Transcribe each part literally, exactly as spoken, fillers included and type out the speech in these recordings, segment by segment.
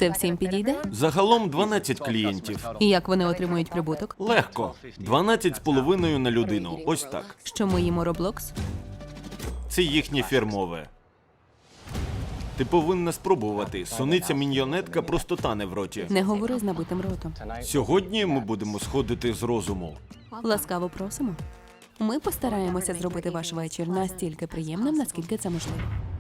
Це всім підійде? Загалом дванадцять клієнтів. І як вони отримують прибуток? Легко. дванадцять з половиною на людину. Ось так. Що ми їмо Roblox? Це їхнє фірмове. Ти повинна спробувати. Суниця міньйонетка просто тане в роті. Не говори з набитим ротом. Сьогодні ми будемо сходити з розуму. Ласкаво просимо. Ми постараємося зробити ваш вечір настільки приємним, наскільки це можливо.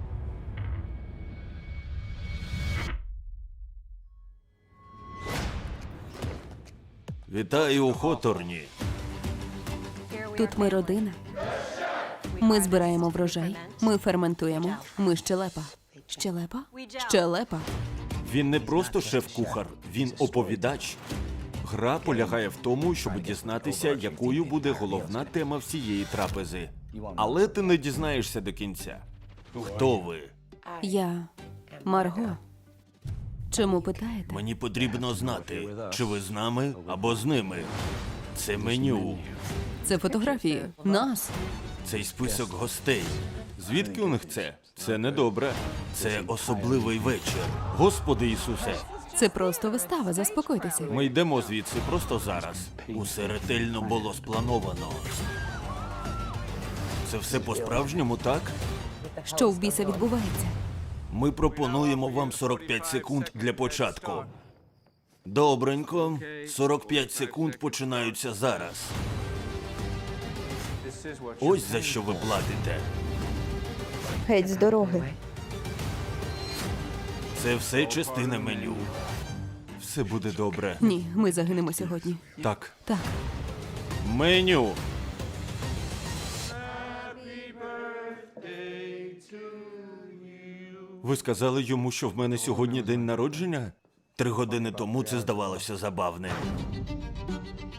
Вітаю у Хоторні. Тут ми родина. Ми збираємо врожай, ми ферментуємо, ми щелепа. Щелепа? Щелепа. Він не просто шеф-кухар, він оповідач. Гра полягає в тому, щоб дізнатися, якою буде головна тема всієї трапези. Але ти не дізнаєшся до кінця. Хто ви? Я Марго. Чому питаєте? Мені потрібно знати, чи ви з нами або з ними. Це меню. Це фотографії. Нас. Цей список гостей. Звідки у них це? Це недобре. Це особливий вечір. Господи Ісусе, Це просто вистава, заспокойтеся. ми йдемо звідси просто зараз. Усе ретельно було сплановано. Це все по-справжньому, так? Що в біса відбувається? Ми пропонуємо вам сорок п'ять секунд для початку. Добренько. сорок п'ять секунд починаються зараз. Ось за що ви платите. Геть з дороги. Це все частина меню. Все буде добре. Ні, ми загинемо сьогодні. Так. Так. Меню. Ви сказали йому, що в мене сьогодні день народження? Три години тому це здавалося забавним.